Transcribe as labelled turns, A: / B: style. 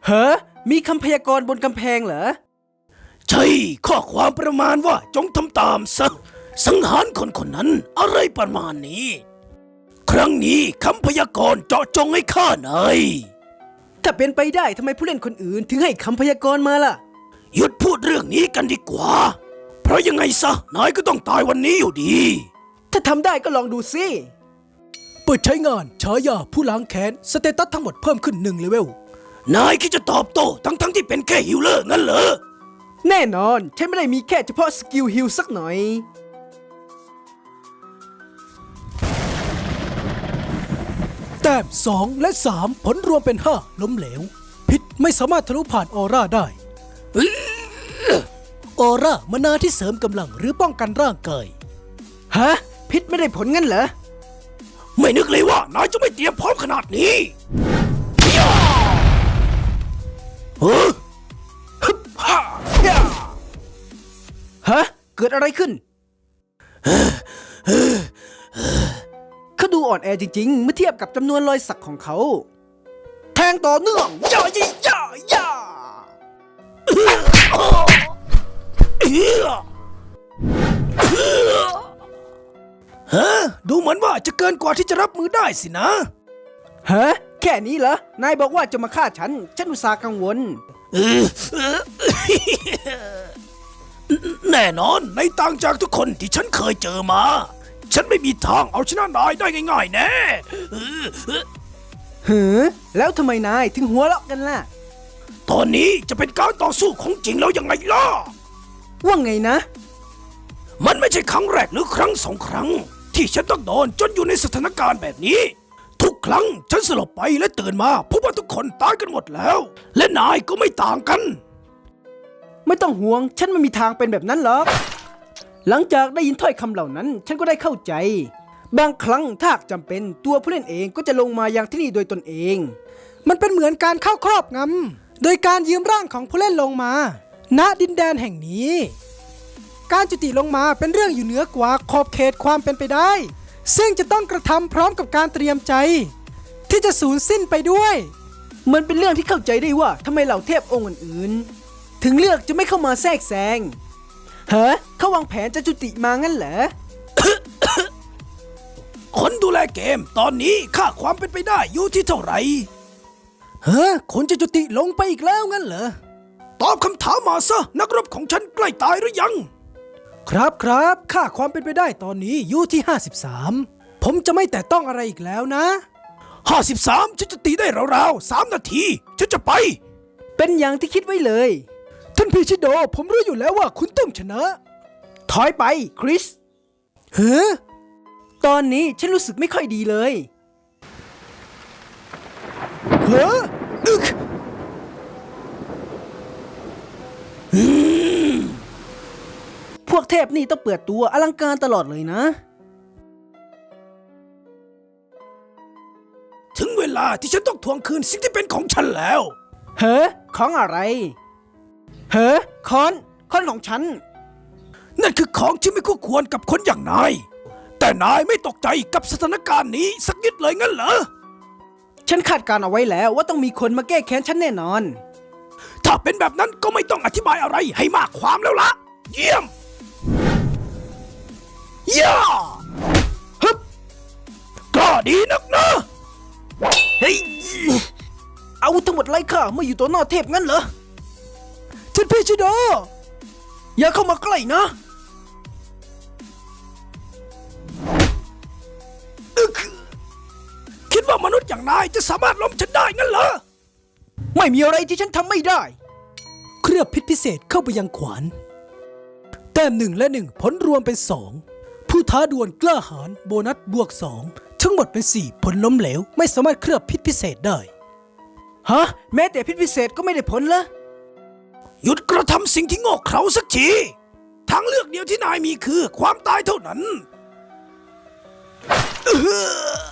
A: เฮ้มีคำพยากรณ์บนกำแพงเหรอ
B: ใช่ข้อความประมาณว่าจงทำตามซะสังหารคนคนนั้นอะไรประมาณนี้ครั้งนี้คำพยากรณ์เจาะจงให้ข้านาย
A: ถ้าเป็นไปได้ทำไมผู้เล่นคนอื่นถึงให้คำพยากรณ์มาล่ะ
B: หยุดพูดเรื่องนี้กันดีกว่าเพราะยังไงซะนายก็ต้องตายวันนี้อยู่ดี
A: ถ้าทำได้ก็ลองดูสิ
C: เปิดใช้งานฉายาผู้ล้างแค้นสเตตัสทั้งหมดเพิ่มขึ้น1เลเวล
B: นายคิดจะตอบโต้ทั้งที่เป็นแค่ฮิลเลอร์งั้นเหรอ
A: แน่นอนฉันไม่ได้มีแค่เฉพาะสกิลฮิลสักหน่อย
C: แต้ม2และ3ผลรวมเป็น5ล้มเหลวพิษไม่สามารถทะลุผ่านออร่าได้ออร่ามานาที่เสริมกำลังหรือป้องกันร่างกาย
A: ฮะพิษไม่ได้ผลงั้นเหรอ
B: ไม่นึกเลยว่านายจะไม่เตรียมพร้อมขนาดนี้
A: ฮะเกิดอะไรขึ้นเขาดูอ่อนแอจริงๆเมื่อเทียบกับจำนวนรอยสักของเขาแทงต่อเนื่องย่า
B: ฮะดูเหมือนว่าจะเกินกว่าที่จะรับมือได้สินะ
A: ฮะแค่นี้เหรอนายบอกว่าจะมาฆ่าฉันอุตส่าห์กังวล
B: แน่นอนในต่างจากทุกคนที่ฉันเคยเจอมาฉันไม่มีทางเอาชนะนายได้ง่ายๆแน่
A: แล้วทำไมนายถึงหัวเราะกันล่ะ
B: ตอนนี้จะเป็นการต่อสู้ของจริงแล้วยังไงล่ะ
A: ว่าไงนะ
B: มันไม่ใช่ครั้งแรกหรือครั้ง2 ครั้งที่ฉันต้องโดนจนอยู่ในสถานการณ์แบบนี้ทุกครั้งฉันสลบไปและตื่นมาพบว่าทุกคนตายกันหมดแล้วและนายก็ไม่ต่างกัน
A: ไม่ต้องห่วงฉันไม่มีทางเป็นแบบนั้นหรอกหลังจากได้ยินถ้อยคำเหล่านั้นฉันก็ได้เข้าใจบางครั้งถ้าจำเป็นตัวผู้เล่นเองก็จะลงมายังที่นี่โดยตนเอง
C: มันเป็นเหมือนการเข้าครอบงำโดยการยืมร่างของผู้เล่นลงมาณดินแดนแห่งนี้การจุติลงมาเป็นเรื่องอยู่เหนือกว่าขอบเขตความเป็นไปได้ซึ่งจะต้องกระทำพร้อมกับการเตรียมใจที่จะสูญสิ้นไปด้วย
A: มันเป็นเรื่องที่เข้าใจได้ว่าทำไมเหล่าเทพองค์อื่นๆถึงเลือกจะไม่เข้ามาแทรกแซงเขาวางแผนจะจุติมางั้นเหรอ
B: คนดูแลเกมตอนนี้ค่าความเป็นไปได้อยู่ที่เท่าไหร่
C: คนจะจุติลงไปอีกแล้วงั้นเหรอ
B: ตอบคำถามมาซะนักรบของฉันใกล้ตายหรือยัง
C: ครับค่าความเป็นไปได้ตอนนี้อยู่ที่53ผมจะไม่แตะต้องอะไรอีกแล้วนะ
B: 53ฉันจะตีได้ราวๆ3 นาทีฉันจะไป
A: เป็นอย่างที่คิดไว้เลย
C: ท่านพีชิโดผมรู้อยู่แล้วว่าคุณต้องชนะ
A: ถอยไปคริสตอนนี้ฉันรู้สึกไม่ค่อยดีเลยพวกเทพนี่ต้องเปิดตัวอลังการตลอดเลยนะ
B: ถึงเวลาที่ฉันต้องทวงคืนสิ่งที่เป็นของฉันแล้ว
A: ของอะไรค้อนของฉัน
B: นั่นคือของที่ไม่คู่ควรกับคนอย่างนายแต่นายไม่ตกใจกับสถานการณ์นี้สักนิดเลยงั้นเหรอ
A: ฉันคาดการเอาไว้แล้วว่าต้องมีคนมาแก้แค้นฉันแน่นอน
B: ถ้าเป็นแบบนั้นก็ไม่ต้องอธิบายอะไรให้มากความแล้วล่ะเยี่ยมย่าฮึบก็ดีนักนะ
A: เฮ้ยเอาทั้งหมดไล่ข้ามาอยู่ตัวหน้าเทพงั้นเหรอ
C: ท่านพีชิโด
A: อย่าเข้ามาใกล้นะ
B: คิดว่ามนุษย์อย่างนายจะสามารถล้มฉันได้งั้นเหรอ
A: ไม่มีอะไรที่ฉันทำไม่ได้
C: เคลือบพิษพิเศษเข้าไปยังขวานแต้ม1และ1ผลรวมเป็น2ผู้ท้าดวลกล้าหาญโบนัสบวก2ทั้งหมดเป็น4ผลล้มเหลวไม่สามารถเคลือบพิษพิเศษได้
A: แม้แต่พิษพิเศษก็ไม่ได้ผลเหรอ
B: หยุดกระทำสิ่งที่โง่เขลาสักทีทางเลือกเดียวที่นายมีคือความตายเท่านั้น